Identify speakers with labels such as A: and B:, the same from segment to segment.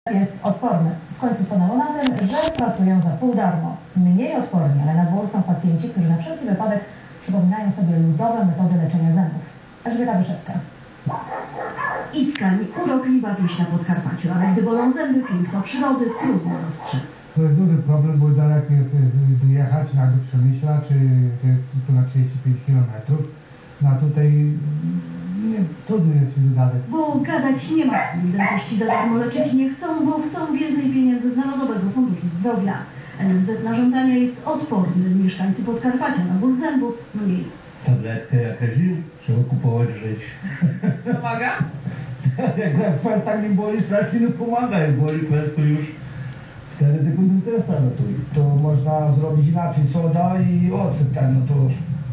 A: Jest odporny. W końcu stanęło na tym, że pracują za pół darmo. Mniej odporni, ale na dwór są pacjenci, którzy na wszelki wypadek przypominają sobie ludowe metody leczenia zębów. Elżbieta Wyszewska.
B: Iskań, urokliwa wieś na Podkarpaciu, ale gdy bolą zęby, piękno przyrody trudno dostrzec.
C: To jest duży problem, bo daleko jest dojechać do Przemyśla, czy to jest tu na 35 km. No a tutaj trudno jest się dalej.
B: Bo gadać nie ma z kim. Dentyści za darmo leczyć nie chcą, bo chcą więcej pieniędzy z Narodowego Funduszu Zdrowia. NFZ na żądania jest odporny. Mieszkańcy Podkarpacia na ból zębów mniej.
D: Tabletkę jakaś trzeba kupować, żyć.
E: Pomaga?
D: Jak kwest tak nie boli strasznie, no pomaga. Jak boli kwest, to już 4 sekundy testa ratuje.
C: To można zrobić inaczej, soda i ocet, no to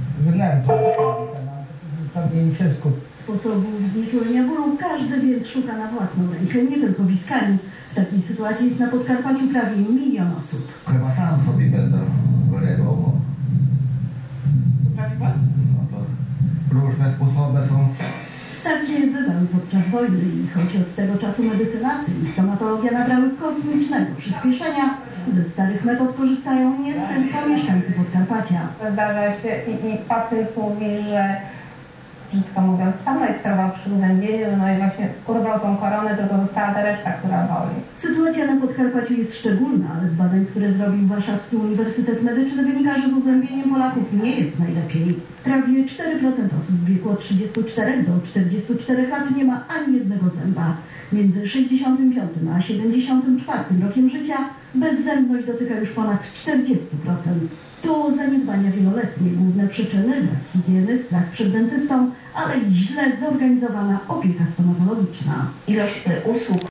C: pewnie wszystko.
B: Sposobów znieczulenia bólu każdy więc szuka na własną rękę, nie tylko w Iskani. W takiej sytuacji jest na Podkarpaciu prawie 1 milion osób.
F: Chyba sam sobie będę wyrywał, bo
E: Potrafi pan?
F: no to różne sposoby są.
B: Takie bywały podczas wojny i choć od tego czasu medycynaty i stomatologia nabrały kosmicznego przyspieszenia, ze starych metod korzystają nie tylko mieszkańcy Podkarpacia.
A: Zdarza się i pacjent mówi, że brzydko mówiąc, sam majstrował przy uzębieniu, no i właśnie urwał tą koronę, tylko została ta reszta, która boli.
B: Sytuacja na Podkarpaciu jest szczególna, ale z badań, które zrobił Warszawski Uniwersytet Medyczny, wynika, że z uzębieniem Polaków nie jest najlepiej. Prawie 4% osób w wieku od 34 do 44 lat nie ma ani jednego zęba. Między 65 a 74 rokiem życia bezzębność dotyka już ponad 40%. To zaniedbania wieloletnie, główne przyczyny, brak higieny, strach przed dentystą, ale i źle zorganizowana opieka stomatologiczna.
G: Ilość usług